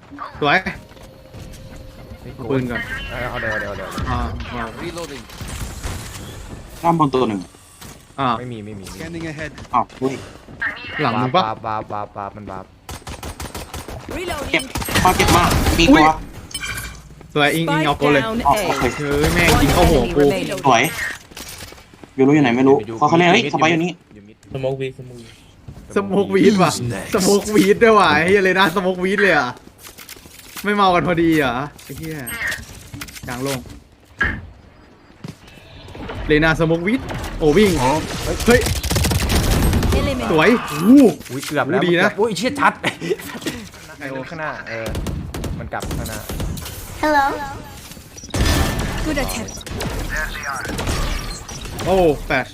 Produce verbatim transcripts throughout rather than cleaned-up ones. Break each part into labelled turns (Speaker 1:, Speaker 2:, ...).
Speaker 1: สวยปืนก่อน
Speaker 2: เอาเดี๋ยวเดี๋ยวเดี๋ยว
Speaker 1: อ่า
Speaker 3: Reloading.
Speaker 4: ด้านบนตัวหนึ่ง
Speaker 1: อ่า
Speaker 2: ไม่มีไม่มี
Speaker 3: Scanning ahead.
Speaker 4: อ้าวอุ้ย
Speaker 1: หลังมึงปะ
Speaker 2: บาบาบาบามันบา
Speaker 4: เจ็บพอเจ็บมากมี
Speaker 1: อุ้
Speaker 4: ตั
Speaker 1: ยว สวยอิงอิงเอาโกเลย
Speaker 4: อ๋อโอเค
Speaker 1: เฮ้ยแม่งยิงเข้าหัวกู
Speaker 4: สวยวิวรู้อยู่ไหนไม่รู้เขาเขาเล่นเฮ้ยสบายอยู่นี่
Speaker 5: สโมกวีสโมกวี
Speaker 1: สโมกวีดว่ะสโมกวีดด้วยว่ะเฮียเลยนะสโมกวีดเลยอ่ะไม่เมากันพอดีเหรอไอ้เฮียกลางโล่งเลนาสโมกวีดโอ้วิ่งเฮ้ยสวยอู้
Speaker 2: อุ้ยเกือบแล้ว
Speaker 1: ดีนะ
Speaker 2: อุ้ยเชี่ยชัด
Speaker 1: ไอโอ
Speaker 2: ข้างหน้าเออมันกลับข้างหน้า
Speaker 6: Hello. Good attempt.
Speaker 1: โอ้แฟช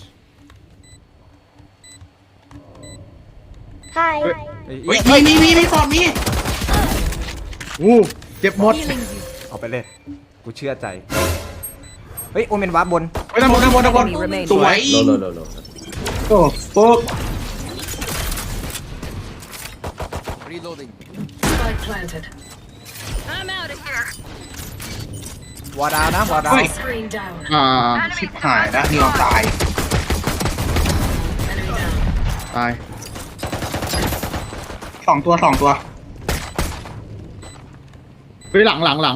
Speaker 6: Hi.
Speaker 4: เฮ้ยมีมีมีมีฟอร์มมี
Speaker 1: อู้เจ็บหมด
Speaker 6: Healing you.
Speaker 2: เอาไปเลยกูเชื่อใจเฮ้ยโอเมนวาร์ปบน
Speaker 1: ไปด้านบนด้านบนด้านบน
Speaker 6: Enemy remaining.
Speaker 4: สวย
Speaker 5: โลโลโลโล
Speaker 4: โอ้โป๊ก
Speaker 3: Reloading.
Speaker 6: Spike planted. I'm out of here.
Speaker 2: วอร์ดาวนะวอร์ดาว
Speaker 6: Screen down.
Speaker 1: อ่า
Speaker 4: ชิบหายแล้วนี่เราตาย
Speaker 6: Enemy down.
Speaker 1: ตาย
Speaker 4: สองตัวสองตัว
Speaker 1: เฮ้ยหลังหลังหลัง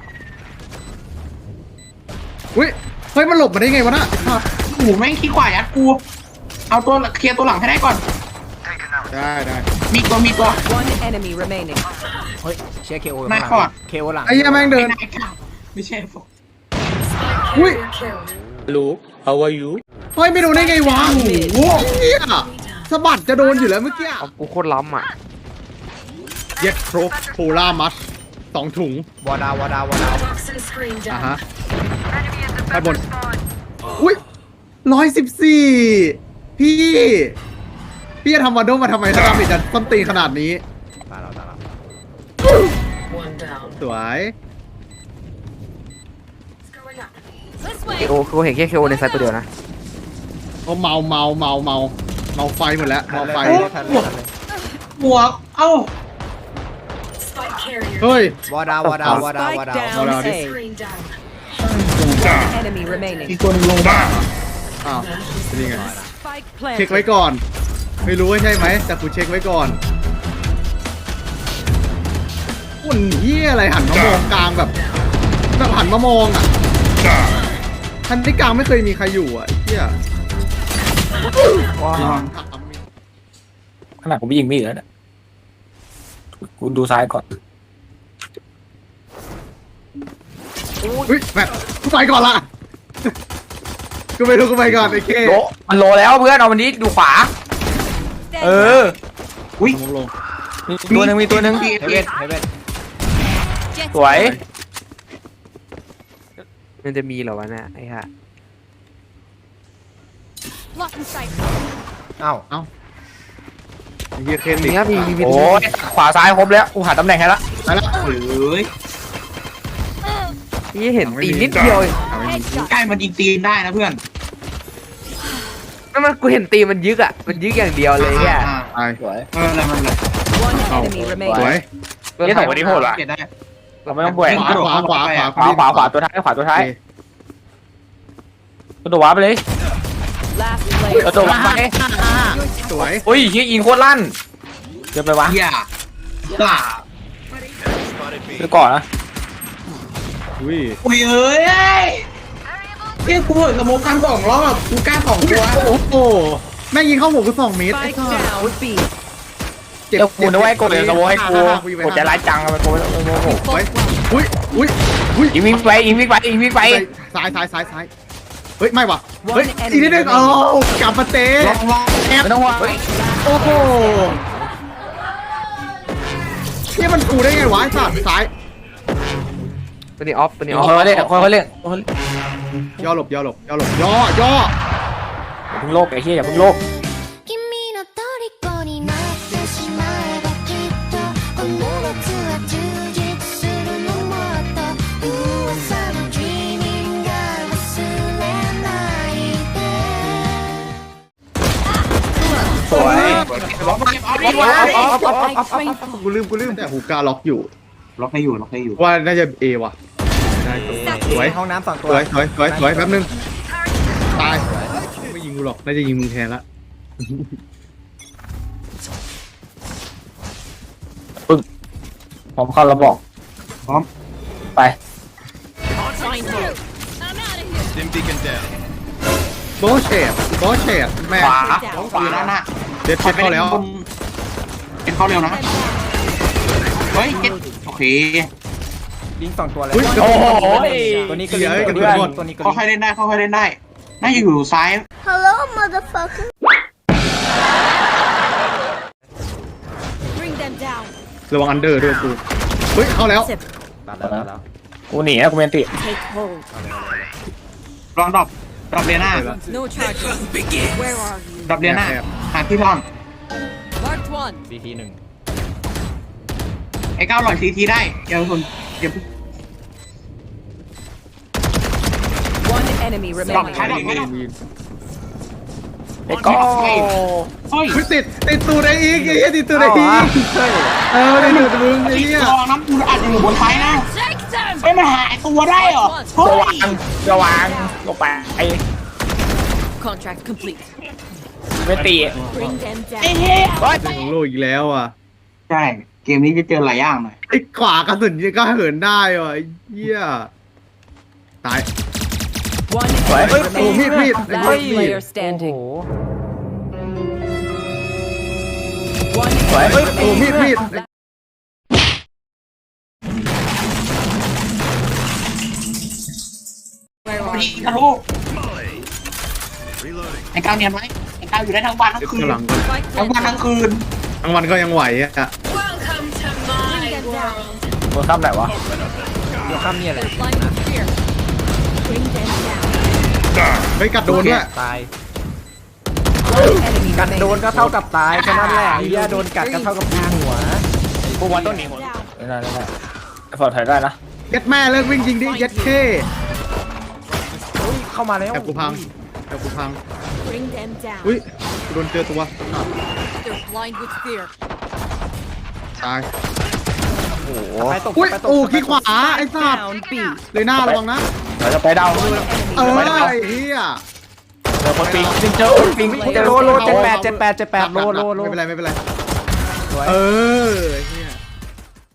Speaker 1: อุ้ยเฮ้ยมันหลบมาได้ไงวะน่ะ
Speaker 4: โอ้โหแม่งขี้ขวายัดกูเอาตัวเคลียร์ตัวหลังให้ได้ก่อน
Speaker 1: ได้ได้
Speaker 4: มีตัวมีตัว
Speaker 6: One enemy remaining.
Speaker 2: เฮ้ยเชียร์เคโอ
Speaker 4: หน้าคอร์ด
Speaker 2: เคโอหลัง
Speaker 1: ไอ้เหี้ยแม่งเดิน
Speaker 4: ไม่ได้ครับไม่ใช่ฟอก
Speaker 1: อุ้ย
Speaker 5: ลูก how are you
Speaker 1: เฮ้ยไม่โดนได้ไงวะโอ้โหเหี้ยสะบัดจะโดนอยู่แล้วเมื่อกี้
Speaker 7: เอากูโคตรล้ำอ่ะ
Speaker 1: เย็ดโครกโพล่ามัสสองถุง
Speaker 2: วอร์ดาววอร์ดาววอร์ดาว
Speaker 6: Toxin screen
Speaker 1: อ่ะ
Speaker 6: down.
Speaker 1: ฮะด้านบนอุ้ยร้อยสิบสี่พี่ พี่จะทำวันโดมาทำไมถ้าดาเมจจะต้นตีนขนาดนี้
Speaker 2: ตายแล้วตายแล้ว
Speaker 6: One down.
Speaker 1: สวย
Speaker 6: Going up.
Speaker 7: เคโอคือเห็นแค่เคโอในไซต์ตัวเดียวนะ
Speaker 1: โอ้เมาเมาเมาเมาเมาไฟหมดแล้วเมาไฟ
Speaker 2: ทันเลยทันเลย
Speaker 4: บวกเอ้า
Speaker 6: Spike carrier.
Speaker 1: เฮ้ย
Speaker 2: วอร์ดาววอร์ดาววอร์ดาววอร์
Speaker 6: Spike
Speaker 2: ดาว
Speaker 1: Hold
Speaker 6: down
Speaker 1: on.
Speaker 6: A. Screen down. Enemy remaining.
Speaker 4: อีกตัวหนึงลงบ้า
Speaker 1: อ้าวเป็นยังไง
Speaker 6: Spike
Speaker 1: เช็คไว้
Speaker 6: planted.
Speaker 1: ก่อน ไม่รู้ว่าใช่ไหมแต่กูเช็คไว้ก่อนอุ่นเหี้ยอะไรหันมามองกลางแบบแบบหันมามองอ่ะทันที่กลางไม่เคยมีใครอยู่อ่ะไอ้เหี้ย
Speaker 7: ว้าว
Speaker 5: ขนาดกูไม่ยิงไม่เหลือเนี่ยกูดูซ้ายก่อน
Speaker 1: เฮ้ยแบบกูไปก่อนละกูไปดูกูไปก่อนไอ้เค
Speaker 5: โลมันโลแล้วเพื่อนเอามันนี้ดูขวา เออ
Speaker 4: อุ้ย
Speaker 1: ลงลง
Speaker 5: มีตัวหนึ่งมีตัวหนึ่ง
Speaker 2: เฮเว่นเฮเว่น
Speaker 5: สวย
Speaker 7: มันจะมีเหรอวะเนี่ยไอ้ห่า
Speaker 6: Lock in sight.
Speaker 2: เอ้า
Speaker 1: ไอ้เหี้ยเคน
Speaker 7: มี
Speaker 1: ดิ
Speaker 7: ครับมีมีมี
Speaker 5: โอ้ยขวาซ้ายครบแล้วกูหาตำแหน่งให้ละ
Speaker 1: ไปแล้ว
Speaker 4: เอ้ย
Speaker 7: นี่เห็นตีนนิดเดียวเอง
Speaker 1: เอาไม่มี
Speaker 4: ใกล้มันยิงตีนได้นะเพื่อน
Speaker 7: นั่นมันกูเห็นตีนมันยึกอ่ะมันยึกอย่างเดียวเลยแค่
Speaker 4: อ่า
Speaker 1: ไป
Speaker 5: สวย
Speaker 4: เอออะไรมันเลย
Speaker 6: One
Speaker 1: Oh.
Speaker 6: enemy
Speaker 1: สวย
Speaker 6: remaining.
Speaker 5: นี่สองคนนี้โหดว่ะ
Speaker 4: เก็บได้
Speaker 5: เราไม่ต้องแหวก
Speaker 1: ขวาขวาขวาขวา
Speaker 5: ขวาขวาขวาตัวท้ายขวาตัวท้ายตัวว้าไปเลย
Speaker 6: Last
Speaker 5: ตัว
Speaker 6: player.
Speaker 5: ตัวว้าไป
Speaker 1: สวย
Speaker 5: โอ้ยยิงอิงโคตรลั่นเกินไปวะ
Speaker 4: เฮียบ้า
Speaker 5: ไปก่อนนะ
Speaker 1: อุ้ย
Speaker 4: อุ้ยเอ้ยเฮียกูเห็นสโมกกันสองรอบกูกล้าสองตัว
Speaker 1: โอ้โหแม่งยิงเข้าหัวกูสองเมตรไอ้
Speaker 6: Spike
Speaker 1: สัส
Speaker 6: down B.
Speaker 1: เจ็บ
Speaker 5: เดี๋ยวกูนึกว่าไอ้กดเลยสโมให้กู
Speaker 1: ห้าห้าห้าอยู่ไป
Speaker 5: กดใจร้ายจังทำไมกูไม่โมโห
Speaker 1: ไว้อุ้ยอุ้ยอุ้ย
Speaker 5: อิงวิ่งไปอิงวิ่งไปอิงวิ่งไป
Speaker 1: ซ้ายซ้ายซ้ายซ้ายเฮ้ยไม่ว่ะ
Speaker 6: One
Speaker 1: เฮ้ย
Speaker 6: enemy
Speaker 1: อีกนิดนึง
Speaker 6: remaining
Speaker 1: โอ้กลับมาเตะ
Speaker 4: ลองลอง
Speaker 1: แอบ
Speaker 5: ไม่ต้องห่วงเฮ้ย
Speaker 1: โอ้โหนี่มันกูได้ไงวะไอ้สัตว์ซ้าย
Speaker 7: ตัวนี้ออฟตัวนี้ออฟ
Speaker 5: ค่อยๆเล่นค่อยๆเล่น
Speaker 1: ย่อหลบย่อหลบย่อหลบย่อย่อ
Speaker 5: อย่าเพิ่งโลกไอ้เหี้ยอย่าเพิ่งโลก
Speaker 8: 君の虜になってしまえばきっとこの夏は充実するのもっと噂の Dreaming が忘れないで
Speaker 5: สวย
Speaker 4: ล็อกมาเก็บออฟดีกว่า
Speaker 6: Spike
Speaker 1: กูลืมกูลืมแต่ฮูก้าล็อกอยู่
Speaker 4: ล็อกให้อยู่ล็อกให้อยู่
Speaker 1: ว่าน่าจะเอว่ะได้สวย
Speaker 2: ห้องน้ำสองตั
Speaker 1: ส
Speaker 2: ว
Speaker 1: วยสวยสวยสวยแป๊บนึงตายไม่ยิงกูหรอกน่าจะยิงมึงแทนละ
Speaker 5: ผมเข้าระบอก
Speaker 4: พร้อม
Speaker 5: ไป
Speaker 6: Find you. I'm out of here.
Speaker 1: โบเชตโบเชตแม่
Speaker 4: ขวาขวาด้านหน้า
Speaker 1: เด็ดเช็ดเข้าแล้ว
Speaker 4: เป็นเข้าเร็วนะเฮ้ยเจ็ดโอเค
Speaker 2: ลิงสองตัวเลย
Speaker 1: อุ้ย
Speaker 5: โอ้โห
Speaker 2: ตัวนี้ก็ลิง
Speaker 1: เฮ้ย
Speaker 2: ตัวนี้
Speaker 1: เดี๋
Speaker 2: ก็
Speaker 1: ยว
Speaker 2: ลิงตัวนี้ก็ลิ
Speaker 4: ค่อยๆเล่นได้ค่อยๆเล่นได้น่าจะอยู่ซ้าย
Speaker 8: Hello motherfucker
Speaker 6: Bring them down.
Speaker 1: ระวังอันเดอร์ด้วยกูเฮ้ยเข้าแล้ว
Speaker 6: Zip.
Speaker 2: ตัดแล้วตัดแล้ว
Speaker 5: กูหนีนะกูเมนติ
Speaker 6: Take hold.
Speaker 4: ลองดรอปดรอปเรียน่า
Speaker 6: No charges. Where are you?
Speaker 4: ดรอปเรียน่า
Speaker 1: แอบ
Speaker 4: หาที่ร่อน
Speaker 6: Marked one.
Speaker 2: ซีทีหนึ่ง
Speaker 4: ไอ้ก้าวหล่อยซีทีได้เดี๋ยวคนเดี๋ยว
Speaker 6: One enemy
Speaker 4: ดรอป
Speaker 6: remaining.
Speaker 4: ท้ายดรอปท้ายดรอป
Speaker 5: ไอ้ก็
Speaker 4: เฮ้ย
Speaker 1: เฮ้ยติดติดตูดไอ้อีกไอ้เหี้ยติดตูดไอ้อีกเออติดตูดมึงไอ้เหี้ย
Speaker 4: ลองน้ำกูอาจจะอยู่บนท้ายนะ
Speaker 6: Take them.
Speaker 4: ไม่มาหายตัวได้เหรอเฮ้
Speaker 5: ระวั
Speaker 4: ย
Speaker 5: งระวังลงไปไอ้
Speaker 6: Contract complete.
Speaker 5: เมนติ
Speaker 6: Bring them
Speaker 4: ไอ้
Speaker 6: down.
Speaker 4: เหี้ย
Speaker 1: เรื่องของโลกอีกแล้วอ่ะ
Speaker 4: ใช่เกมนี้จะเจอหลายอย่างหน่อย
Speaker 1: ไอ้ขวากระสุนยังก็เหินได้ว่ะไอ้เหี้ยตาย
Speaker 6: One
Speaker 5: สวย
Speaker 6: enemy
Speaker 1: โอ้มีด
Speaker 6: remaining.
Speaker 1: มีดไอ้
Speaker 6: Last
Speaker 1: มีด
Speaker 6: player
Speaker 2: โอ้โห
Speaker 6: standing. One
Speaker 5: สวย
Speaker 1: โอ้มีดมีด
Speaker 6: Where
Speaker 4: พอ
Speaker 6: are
Speaker 4: ดี
Speaker 6: you?
Speaker 4: นะลูกไอ้ก้าวเนียนไหมไอ้ก้าวอยู่ได้ทั้งวันทั้ง
Speaker 1: เดี๋ยว
Speaker 4: คืน
Speaker 1: ข้างหลังก่อน
Speaker 6: Spike
Speaker 4: ทั้งวัน
Speaker 6: planted.
Speaker 4: ทั้งคืน
Speaker 1: ทั้งวันก็ยังไหวอ่ะ
Speaker 6: Welcome to my world.
Speaker 5: ตัวข้ามไหนวะ
Speaker 2: เดี๋ยวข้ามเนี่ยแหละ
Speaker 6: Blind with fear. Bring them down.
Speaker 1: ไม่กัดโดนด้วย
Speaker 2: ตาย
Speaker 6: One enemy
Speaker 2: กัดโด
Speaker 6: remaining.
Speaker 2: นก็เท่ากับตายแค่นั้นแหละไอ้เหี้ยโดนกัดก็เท่ากับยิงหัว
Speaker 5: กูวันต้นหนีหมด
Speaker 6: Down.
Speaker 5: ไม่ได้ไม่ได้ไอ้ฟอร์ดถอยได้นะ
Speaker 1: เย็ดแม่เลิกวิ่งจริงดิเย็ดเท่
Speaker 2: อุ้ยเข้ามาแล้ว
Speaker 1: แอบกูพังแอบกูพัง
Speaker 6: Bring them down.
Speaker 1: อุ้ยกูโดนเจอตัว
Speaker 6: They're blind with fear.
Speaker 1: ตาย
Speaker 5: โอ้โห
Speaker 2: ไปตก
Speaker 1: อุ้ย
Speaker 2: ไปตก
Speaker 1: โอ้
Speaker 2: ไปตก
Speaker 1: ขี้ขวาไอ้สัตว์
Speaker 6: Down B.
Speaker 1: เลยหน้าระวังนะ
Speaker 5: เราจะไปดาว
Speaker 6: One
Speaker 1: เอ
Speaker 6: enemy
Speaker 1: อ
Speaker 6: remaining.
Speaker 1: ไอ้เหี้ย
Speaker 5: เจอคนปิงจริงเจอคนปิง
Speaker 2: เจอโลโลเจ็ดแปดเจ็ดแปดเจ็ดแปดโลโลโล
Speaker 1: ไม่เป็นไรไม่เป็นไร
Speaker 2: สวย
Speaker 1: เออเหี้